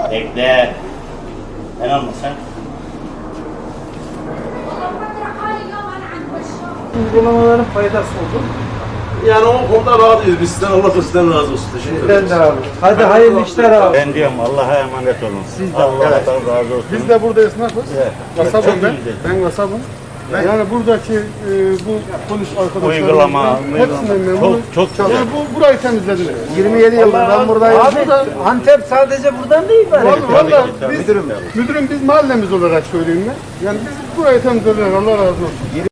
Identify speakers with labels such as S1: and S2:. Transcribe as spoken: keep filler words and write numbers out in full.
S1: Bekle. Ben almasam.
S2: Uygulamaların faydası oldu.
S3: Yani o konuda razıyız. Biz sizden Allah da sizden razı olsun. Teşekkür ederiz.
S2: Ben de abi. Hadi hayırlı işler abi.
S1: Ben diyorum Allah'a emanet olun.
S2: Siz de.
S1: Allah'tan
S2: Evet.
S1: razı olsun.
S4: Biz de burada esnafız.
S1: Evet.
S4: Kasabım
S1: Çok
S4: ben.
S1: güzel.
S4: Ben kasabım. Yani buradaki e, bu polis arkadaşlarımızdan
S1: Uygulama,
S4: hepsinden memnunum.
S1: Çok- çok güzel.
S4: Yani bu, burayı temizlediler.
S2: yirmi yedi yıldır ben buradayım. Abi
S4: Burada-
S2: Antep sadece buradan değil bari.
S4: Vallahi, vallahi
S1: tabii,
S4: biz,
S1: tabii.
S4: müdürüm biz mahallemiz olarak söyleyeyim ben. Yani biz burayı temizlediler. Allah razı olsun.